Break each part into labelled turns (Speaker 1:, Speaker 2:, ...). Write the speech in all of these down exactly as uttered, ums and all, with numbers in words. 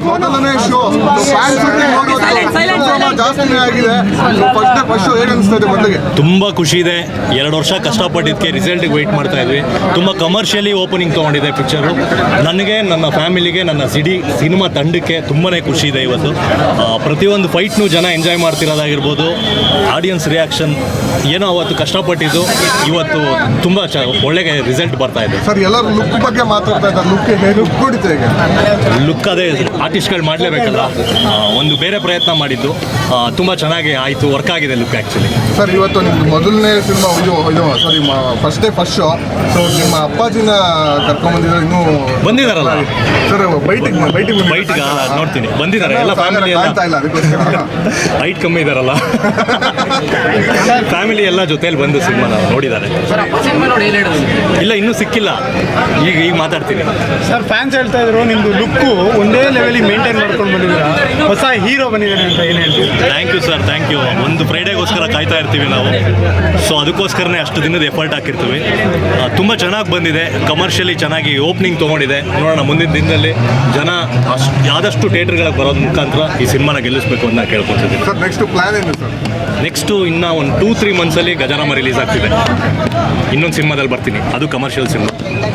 Speaker 1: ಮೊದಲನೇ show fan shooting ಜಾಸ್ತಿನೇ ಆಗಿದೆ. ಫಸ್ಟ್ ಫಸ್ಟ್ ಶೋ ಹೇಗೆ ಅನಿಸ್ತದೆ ಮೊದಲಿಗೆ?
Speaker 2: ತುಂಬ ಖುಷಿ ಇದೆ. ಎರಡು ವರ್ಷ ಕಷ್ಟಪಟ್ಟಿದ್ದಕ್ಕೆ ರಿಸಲ್ಟಿಗೆ ವೆಯ್ಟ್ ಮಾಡ್ತಾ ಇದ್ವಿ. ತುಂಬ ಕಮರ್ಷಿಯಲಿ ಓಪನಿಂಗ್ ತೊಗೊಂಡಿದೆ ಪಿಕ್ಚರು. ನನಗೆ, ನನ್ನ ಫ್ಯಾಮಿಲಿಗೆ, ನನ್ನ ಸಿಡಿ ಸಿನಿಮಾ ತಂಡಕ್ಕೆ ತುಂಬಾ ಖುಷಿ ಇದೆ ಇವತ್ತು. ಪ್ರತಿಯೊಂದು ಫೈಟ್ನು ಜನ ಎಂಜಾಯ್ ಮಾಡ್ತಿರೋದಾಗಿರ್ಬೋದು, ಆಡಿಯನ್ಸ್ ರಿಯಾಕ್ಷನ್ ಏನೋ ಅವತ್ತು ಕಷ್ಟಪಟ್ಟಿದ್ದು ಇವತ್ತು ತುಂಬ ಚ ಒಳ್ಳೆಯ ರಿಸಲ್ಟ್ ಬರ್ತಾ ಇದೆ.
Speaker 1: ಸರ್, ಎಲ್ಲರೂ ಲುಕ್ ಬಗ್ಗೆ ಮಾತಾಡ್ತಾ ಇದ್ದಾರೆ. ಲುಕ್ ಹೇಗೆ ಲುಕ್ ಕೊಡಿತು ಈಗ?
Speaker 2: ಲುಕ್ ಅದೇ ಆರ್ಟಿಸ್ಟ್ಗಳು ಮಾಡಲೇಬೇಕಲ್ಲ, ಒಂದು ಬೇರೆ ಪ್ರಯತ್ನ ಮಾಡಿದ್ದು ತುಂಬ ಚೆನ್ನಾಗಿ ಆಯಿತು, ವರ್ಕ್ ಆಗಿದೆ ಲುಕ್ ಆ್ಯಕ್ಚುಲಿ.
Speaker 1: ಸರ್, ಇವತ್ತು ನಿಮ್ಮದು ಮೊದಲನೇ ಸಿನಿಮಾ ಇದು ಇದು ಸಾರಿ first day first show. So ನಿಮ್ಮ ಅಪ್ಪಾಜಿನ ಕರ್ಕೊಂಡ್ಬಂದಿದ್ದಾರೆ, ಇನ್ನೂ
Speaker 2: ಬಂದಿದ್ದಾರಲ್ಲ
Speaker 1: ಸರ್ ಬೈಟಿಗೆ ಬೈಟಿಗೆ
Speaker 2: ಬೈಟ್ಗ ನೋಡ್ತೀನಿ ಬಂದಿದ್ದಾರೆ ಎಲ್ಲ ಫ್ಯಾಮಿಲಿ ಎಲ್ಲ.
Speaker 1: ಇಲ್ಲ ಅದಕ್ಕೋಸ್ಕರ
Speaker 2: ಹೈಟ್ ಕಮ್ಮಿ ಇದ್ದಾರಲ್ಲ ಫ್ಯಾಮಿಲಿ ಎಲ್ಲ ಜೊತೆಯಲ್ಲಿ ಬಂದು ಸಿನಿಮಾನ ನೋಡಿದ್ದಾರೆ. ಇಲ್ಲ ಇನ್ನೂ ಸಿಕ್ಕಿಲ್ಲ, ಈಗ ಈಗ ಮಾತಾಡ್ತೀನಿ.
Speaker 3: ಸರ್, ಫ್ಯಾನ್ಸ್ ಹೇಳ್ತಾ ಇದ್ರು ನಿಮ್ಮದು ಲುಕ್ಕು ಒಂದೇ ಲೆವೆಲಿಗೆ ಮೇಂಟೈನ್ ಮಾಡ್ಕೊಂಡು ಬಂದಿದ್ದೀರಾ, ಹೊಸ ಹೀರೋ ಬಂದಿದ್ದಾರೆ ಅಂತ ಏನು ಹೇಳ್ತೀವಿ?
Speaker 2: Thank you sir, thank you. ಒಂದು ಫ್ರೈಡೇಗೋಸ್ಕರ ಕಾಯ್ತಾ ಇರ್ತೀವಿ ನಾವು, ಸೊ ಅದಕ್ಕೋಸ್ಕರನೇ ಅಷ್ಟು ದಿನದ ಎಫರ್ಟ್ ಹಾಕಿರ್ತೀವಿ. ತುಂಬ ಚೆನ್ನಾಗಿ ಬಂದಿದೆ, ಕಮರ್ಷಿಯಲಿ ಚೆನ್ನಾಗಿ ಓಪನಿಂಗ್ ತೊಗೊಂಡಿದೆ. ನೋಡೋಣ ಮುಂದಿನ ದಿನದಲ್ಲಿ ಜನ ಅಷ್ಟು ಆದಷ್ಟು ಥಿಯೇಟ್ರ್ಗಳಿಗೆ ಬರೋದ್ರ ಮುಖಾಂತರ ಈ ಸಿನಿಮಾನ ಗೆಲ್ಲಿಸಬೇಕು ಅಂತ ನಾನು ಕೇಳ್ಕೊತಿದ್ದೀನಿ.
Speaker 1: ಸರ್, ನೆಕ್ಸ್ಟ್ ಪ್ಲಾನ್ ಏನು ಸರ್?
Speaker 2: ನೆಕ್ಸ್ಟು ಇನ್ನೂ ಒಂದು ಟೂ ತ್ರೀ ಮಂತ್ಸಲ್ಲಿ ಗಜರಾಮ ರಿಲೀಸ್ ಆಗ್ತಿದೆ. ಇನ್ನೊಂದು ಸಿನಿಮಾದಲ್ಲಿ ಬರ್ತೀನಿ, ಅದು ಕಮರ್ಷಿಯಲ್ ಸಿನಿಮಾ.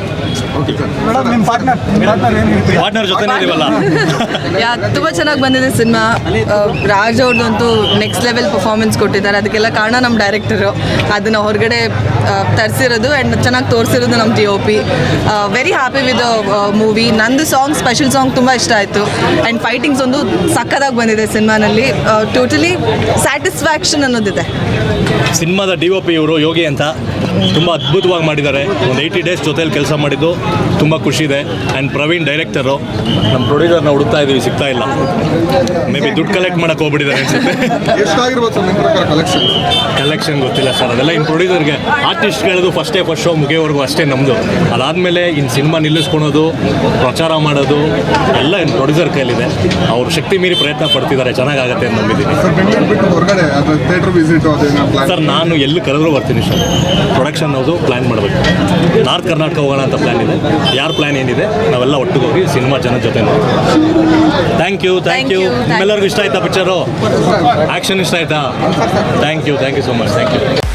Speaker 2: ಪಾರ್ಟ್ನರ್ ಜೊತೆನೇ ಇದೀವಲ್ಲ.
Speaker 4: ಯಾ ತುಂಬ ಚೆನ್ನಾಗಿ ಬಂದಿದೆ ಸಿನಿಮಾ. ರಾಜ್ ಅವ್ರದ್ದಂತೂ ನೆಕ್ಸ್ಟ್ ಲೆವೆಲ್ ಪರ್ಫಾರ್ಮೆನ್ಸ್ ಕೊಟ್ಟಿದ್ದಾರೆ. ಅದಕ್ಕೆಲ್ಲ ಕಾರಣ ನಮ್ಮ ಡೈರೆಕ್ಟರು. ಅದನ್ನು ಹೊರಗಡೆ ತರಿಸಿರೋದು ಆ್ಯಂಡ್ ಚೆನ್ನಾಗಿ ತೋರಿಸಿರೋದು ನಮ್ಮ D O P. Very happy with movie. ನಂದು ಸಾಂಗ್, ಸ್ಪೆಷಲ್ ಸಾಂಗ್ ತುಂಬ ಇಷ್ಟ ಆಯಿತು. ಆ್ಯಂಡ್ ಫೈಟಿಂಗ್ಸ್ ಒಂದು ಸಕ್ಕದಾಗಿ ಬಂದಿದೆ ಸಿನಿಮಾನಲ್ಲಿ. Totally satisfaction ಅನ್ನೋದಿದೆ.
Speaker 2: ಸಿನಿಮಾದ ಡಿ ಒ ಪಿ ಇವರು ಯೋಗಿ ಅಂತ ತುಂಬ ಅದ್ಭುತವಾಗಿ ಮಾಡಿದ್ದಾರೆ. ಒಂದು ಏಯ್ಟಿ ಡೇಸ್ ಜೊತೆಲಿ ಕೆಲಸ ಮಾಡಿದ್ದು ತುಂಬ ಖುಷಿ ಇದೆ. ಆ್ಯಂಡ್ ಪ್ರವೀಣ್ ಡೈರೆಕ್ಟರು, ನಮ್ಮ ಪ್ರೊಡ್ಯೂಸರ್ನ ಹುಡುಕ್ತಾ ಇದ್ದೀವಿ, ಸಿಗ್ತಾ ಇಲ್ಲ. ಮೇ ಬಿ ದುಡ್ಡು ಕಲೆಕ್ಟ್ ಮಾಡೋಕೆ ಹೋಗ್ಬಿಟ್ಟಿದ್ದಾರೆ ಅನ್ಸುತ್ತೆ.
Speaker 1: ಎಷ್ಟಾಗಿರ್ಬೋದು ಸರ್ ನಿಮ್ಮ ಪ್ರಕಾರ ಕಲೆಕ್ಷನ್?
Speaker 2: ಕಲೆಕ್ಷನ್ ಗೊತ್ತಿಲ್ಲ ಸರ್, ಅದೆಲ್ಲ ಇನ್ನು ಪ್ರೊಡ್ಯೂಸರ್ಗೆ. ಆರ್ಟಿಸ್ಟ್ಗಳದು ಫಸ್ಟ್ ಡೇ ಫಸ್ಟ್ ಶೋ ಮುಗಿಯೋವರೆಗೂ ಅಷ್ಟೇ ನಮ್ಮದು. ಅದಾದಮೇಲೆ ಇನ್ನು ಸಿನಿಮಾ ನಿಲ್ಲಿಸ್ಕೊಳೋದು, ಪ್ರಚಾರ ಮಾಡೋದು ಎಲ್ಲ ಇನ್ನು ಪ್ರೊಡ್ಯೂಸರ್ ಕೈಲಿದೆ. ಅವ್ರ ಶಕ್ತಿ ಮೀರಿ ಪ್ರಯತ್ನ ಪಡ್ತಿದ್ದಾರೆ, ಚೆನ್ನಾಗಾಗತ್ತೆ ಅಂತ ನಂಬಿದ್ದೀನಿ.
Speaker 1: ಸರ್, ಬೆಂಗಳೂರು ಬಿಟ್ಟು ಹೊರಗಡೆ ಅದು ಥಿಯೇಟ್ರ್ ವಿಸಿಟ್ ಅದೇನೋ ಪ್ಲಾನ್?
Speaker 2: ಸರ್, ನಾನು ಎಲ್ಲಿ ಕರೆದ್ರೂ ಬರ್ತೀನಿ ಸರ್. ಪ್ರೊಡಕ್ಷನ್ ಹೌದು ಪ್ಲ್ಯಾನ್ ಮಾಡಬೇಕು. ನಾರ್ತ್ ಕರ್ನಾಟಕ ಹೋಗೋಣ ಅಂತ ಪ್ಲ್ಯಾನ್ ಇದೆ. ಯಾರ ಪ್ಲ್ಯಾನ್ ಏನಿದೆ ನಾವೆಲ್ಲ ಒಟ್ಟಿಗೆ ಹೋಗಿ ಸಿನಿಮಾ ಜನ ಜೊತೆ ನೋಡಿ. ಥ್ಯಾಂಕ್ ಯು ಥ್ಯಾಂಕ್ ಯು ನಿಮ್ಮೆಲ್ಲರಿಗೂ ಇಷ್ಟ ಆಯ್ತಾ ಪಿಕ್ಚರು? ಆ್ಯಕ್ಷನ್ ಇಷ್ಟ ಆಯ್ತಾ? Thank you thank you so much. Thank you.